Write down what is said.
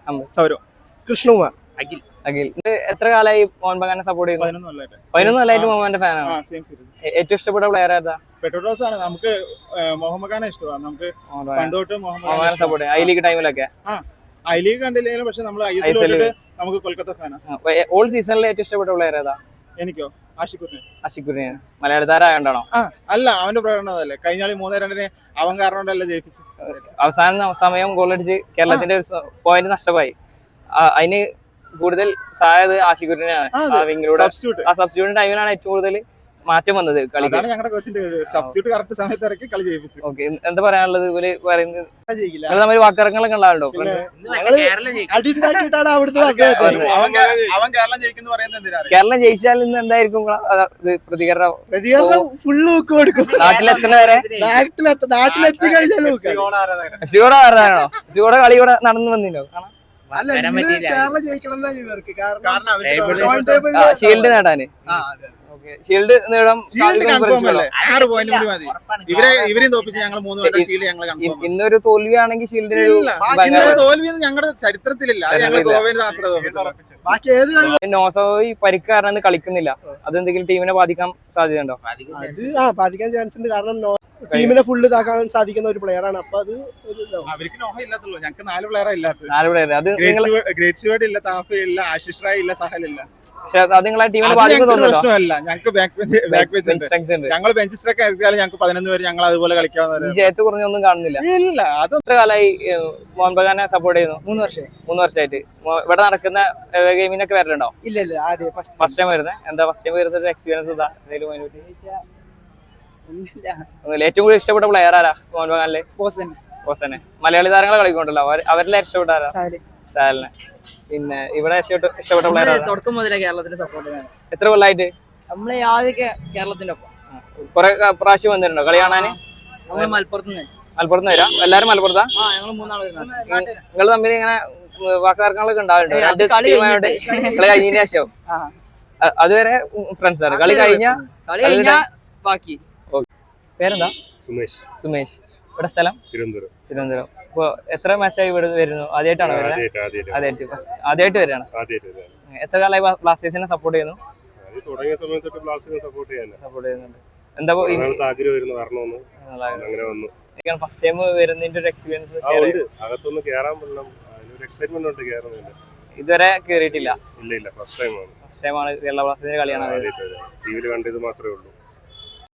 സൗരവ്. കൃഷ്ണകുമാർ. അഖിൽ. അഖിൽ. എത്ര കാലമായി മോഹൻ ബഗാനെ സപ്പോർട്ട് ചെയ്യുന്നു? 11 കൊല്ലമായിട്ട് മോഹന്റെ ഫാനാണ്. ഏറ്റവും ഇഷ്ടപ്പെട്ട പ്ലെയർ ഏതാ? പെട്രോസ് ആണ്. നമുക്ക് മോഹൻ ബഗാനെ ഇഷ്ടമാണ്. നമുക്ക് പണ്ടോട്ട് മോഹൻ സപ്പോർട്ട് ഐ ലീഗ് ടൈമിലൊക്കെ ഐ ലീഗ് കണ്ടില്ലെങ്കിലും പക്ഷെ നമ്മൾ ISL നമുക്ക് കൊൽക്കത്ത ഫാനാണ്. ഓൾ സീസണിൽ ഏറ്റവും ഇഷ്ടപ്പെട്ട പ്ലെയർ ഏതാ? എനിക്കോ ആഷിഖുറിനെ. മലയാള താരമായോണ്ടാണോ? അല്ല, അവന്റെ പ്രകടനമല്ലേ. കഴിഞ്ഞ 3-2 അവൻ കാരണം കൊണ്ടല്ലേ ജയിപ്പിച്ചു. അവസാന സമയം ഗോളടിച്ച് കേരളത്തിന്റെ പോയിന്റ് നഷ്ടമായി. അതിന് കൂടുതൽ സഹായത് ആഷിഖുറിനെയാണ്. ആ സബ്സ്റ്റിറ്റ്യൂട്ട് ടൈമിലാണ് ഏറ്റവും കൂടുതൽ മാറ്റം വന്നത് കളി. ഓക്കെ, എന്താ പറയാനുള്ളത്? ഇവര് പറയുന്നത് തമ്മിൽ വാക്കിറക്കങ്ങളൊക്കെ ഉണ്ടാവല്ലോ. കേരളം ജയിച്ചാൽ ഇന്ന് എന്തായിരിക്കും പ്രതികരണം? നാട്ടിലെത്തുന്ന വരെ ഷിയോടെ ആരാണോ? ഷിയോടെ കളി ഇവിടെ നടന്നു വന്നില്ലോ. ഷീൽഡ് നേടാന്. ഷീൽഡ് നേടാൻ ഇന്നൊരു തോൽവിയാണെങ്കിൽ ഷീൽഡിന് ഞങ്ങളുടെ ചരിത്രത്തിലില്ല. നോസോയി പരിക്ക് കാരണം കളിക്കുന്നില്ല. അതെന്തെങ്കിലും ടീമിനെ ബാധിക്കാൻ സാധ്യതയുണ്ടോ? ബാധിക്കാൻ ചാൻസ് ഉണ്ട്. കാരണം ടീമിനെ ഫുള്ള് ഇതാക്കാൻ സാധിക്കുന്ന ഒരു പ്ലെയർ ആണ്. അപ്പൊ അത് അവർക്ക് നോഹ ഇല്ലാത്തുള്ളൂ. ഞങ്ങൾക്ക് 4 പ്ലെയർ ഇല്ലാത്ത. 4 പ്ലെയർ. അത് ഗ്രേറ്റ് ഷുവേർഡ് ഇല്ല, താഫ ഇല്ല, ആശിഷ് റായ് ഇല്ല, സഹൽ ഇല്ല. പക്ഷെ അത് നിങ്ങളെ ടീമിനെ ബാധിക്കുന്നുണ്ടോ? പ്രശ്നമല്ല. ഞങ്ങൾക്ക് ഞങ്ങൾ ബെഞ്ച് സ്ട്രൈക്ക് ആക്കിയാലും ഞങ്ങൾക്ക് 11 പേര് ഞങ്ങൾ അതുപോലെ കളിക്കാവുന്ന. ജയത്ത് കുറഞ്ഞൊന്നും കാണുന്നില്ല. ഇല്ല. അത് എത്ര കാലമായി മോഹൻ ബഗാനെ സപ്പോർട്ട് ചെയ്യുന്നു? 3 വർഷം. 3 വർഷമായിട്ട് ഇവിടെ നടക്കുന്ന ഗെയിമിനൊക്കെ വരലുണ്ടോ? ഇല്ല, ഫസ്റ്റ് ടൈം വരുന്നത്. എന്താ ഫസ്റ്റ് ടൈം വരുന്ന എക്സ്പീരിയൻസ് എന്താ? ഏറ്റവും കൂടുതൽ ഇഷ്ടപ്പെട്ട പ്ലെയർ ആരാ മോഹൻ ബഗാനിലെ? ഹോസനെ. മലയാളി താരങ്ങളെ കളിക്കൊണ്ടല്ലോ, അവരിലെ ഇഷ്ടപ്പെട്ട ആരാ? സാലിനെ. പിന്നെ ഇവിടെ ഇഷ്ടപ്പെട്ട പ്ലെയർ തുടക്കം മുതലേ കേരളത്തിന്റെ സപ്പോർട്ട്. എത്ര കൊല്ലായിട്ട്? നമ്മളെ ആദ്യമൊക്കെ കേരളത്തിന്റെ ഒപ്പം കുറെ പ്രാവശ്യം വന്നിട്ടുണ്ടോ കളി കാണാന്? മലപ്പുറത്ത് വരാം. എല്ലാരും മലപ്പുറത്താ? നിങ്ങൾ തമ്മിൽ ഇങ്ങനെ വാക്കുതർക്കങ്ങളൊക്കെ ഉണ്ടാവുന്നുണ്ട് കളി കഴിഞ്ഞതിന് ശേഷം? അതുവരെ ഫ്രണ്ട്സ് ആണ്. കളി കഴിഞ്ഞ ബാക്കി. പേരെന്താ? സുമേഷ്. ഇവിടെ സ്ഥലം? തിരുവനന്തപുരം. ഇപ്പൊ എത്ര മാച്ചായി ഇവിടെ വരുന്നു? ആദ്യമായിട്ടാണോ വരുന്നത്? ആദ്യമായിട്ട് വരികയാണ്. എത്ര കാലമായി ബ്ലാസ്റ്റേഴ്സിനെ സപ്പോർട്ട് ചെയ്യുന്നു? സപ്പോർട്ട് ചെയ്യുന്നുണ്ട്. എന്താ ഫസ്റ്റ് ടൈം വരുന്നതിന്റെ ഒരു എക്സ്പീരിയൻസ്? ഇതുവരെ കേറിയിട്ടില്ല. ഫസ്റ്റ് ടൈമാണ് കേരള ബ്ലാസ്റ്റേഴ്സിന്റെ കളിയാണ്. കണ്ടത് മാത്രമേ ഉള്ളൂ.